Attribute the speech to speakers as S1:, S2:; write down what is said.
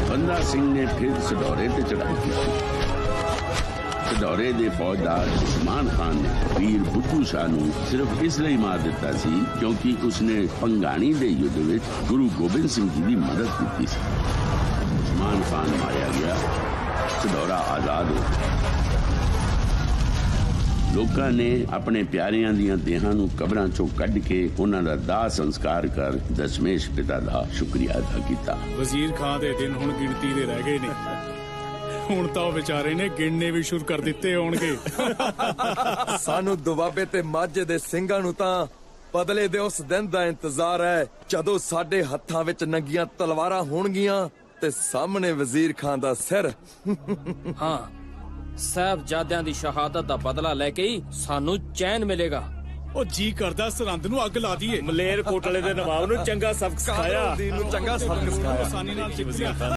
S1: बंदा सिंह ने फिर सडौरे ते चढ़ाई की। सडौरे दे फौजदार उस्मान खान ने वीर बुद्धू शाह नूं सिर्फ इसलिए मार दिता सी क्योंकि उसने पंगाणी दे युद्ध विच गुरु गोबिंद सिंह जी की मदद की सी। उस्मान खान मारिया गया, सडौरा आजाद हो गया। लोकां ने अपने प्यारियां दियां देहां नूं कबरां चों कढ के उन्हां दा दाह संस्कार कर दशमेश पिता दा शुक्रिया अदा कीता।
S2: वजीर खान दे दिन हुण गिणती दे रह गए ने, हुण तां बेचारे ने गिणने भी शुरू कर दित्ते होणगे।
S3: सानू दुआबे ते माझे दे ਸਿੰਘਾਂ ਨੂੰ ਤਾਂ बदले दे उस दिन दा इंतजार है जदों साडे हत्थां विच नंगियां तलवारां होणगीਆਂ ते सामने वजीर खान दा सिर।
S4: हाँ, साहबजादियां दी शहादत दा बदला लेके ही सानू चैन मिलेगा।
S2: ओ जी करदा सरहंद नूं अग ला दीए।
S5: मलेर कोटले दे नवाब नूं चंगा सबक सिखाया।
S3: चंगा सबक सिखाया।
S2: आसानी नाल जित लिया।